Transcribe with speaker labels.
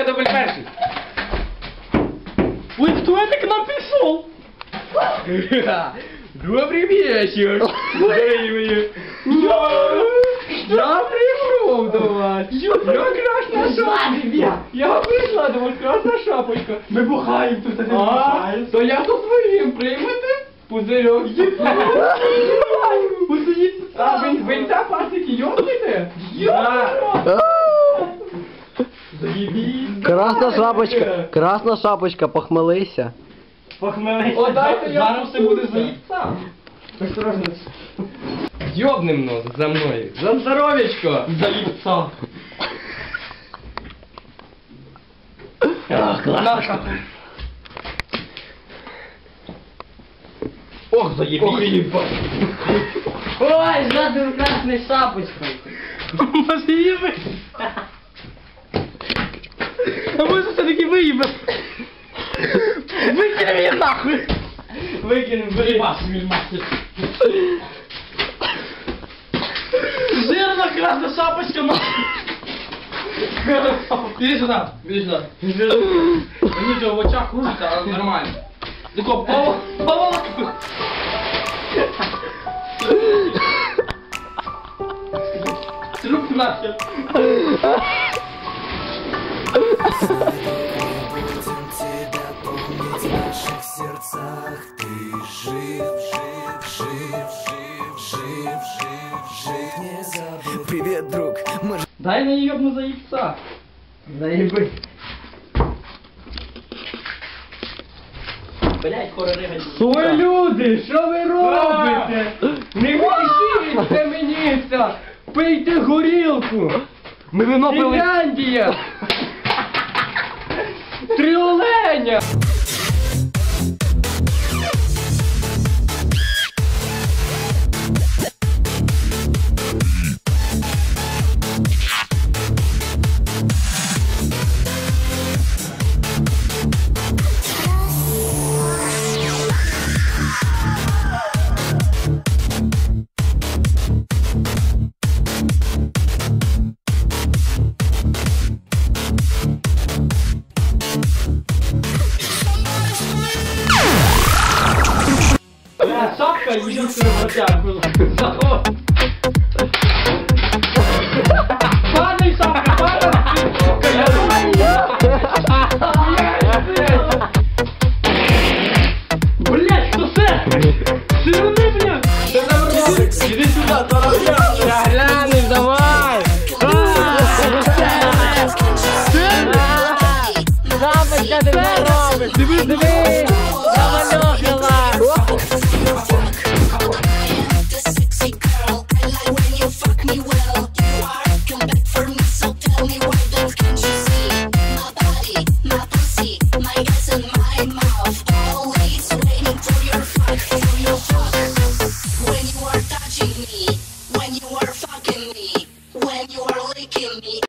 Speaker 1: дубль перший.
Speaker 2: Ой, кто это к нам пришел?
Speaker 1: Добрый вечер.
Speaker 2: Я пришел до вас. Я красная шапочка. Я пришла до вас, красная шапочка.
Speaker 1: Ми бухаємо тут, а не бухаємо.
Speaker 2: То я со своїм приймете? Пузирьок. А ви ця пасики йобнете? Заебись.
Speaker 3: Красна шапочка, похмелися.
Speaker 1: Похмелися.
Speaker 2: О, дайте я
Speaker 1: Зараз все буде заїбця.
Speaker 2: Осторожно.
Speaker 1: Йобнем нос за мною. За здоров'ячко.
Speaker 2: Заїбця.
Speaker 1: Ох, заєбись.
Speaker 3: Ой, жадную красной шапочкой.
Speaker 2: Може їби? А може все-таки виїбе? Викинем її нахуй.
Speaker 1: Викинем, вирібас, мільмастер.
Speaker 2: Жирна красна шапочка нахуй.
Speaker 1: Іди сюди, іди сюди. Мені вже в очах кружиться, але нормально. Тако, поволоку. Труп нахер.
Speaker 4: Привет, друг.
Speaker 2: Дай на їбну заїбця.
Speaker 3: Заеби.
Speaker 1: Блять, хороригать.
Speaker 2: Ой, люди, що ви робите? Не вирішуйте мені це! Пийте горілку!
Speaker 1: Ми вино пили.
Speaker 2: Фінляндія! Три оленя! Шапка единственный вратяг был. Заход. Падай, шапка, падай! Блять, что це? Сирни, блядь!
Speaker 1: Іди сюди,
Speaker 3: Глянеш, давай! Шапочка, ти не робиш! Дивись!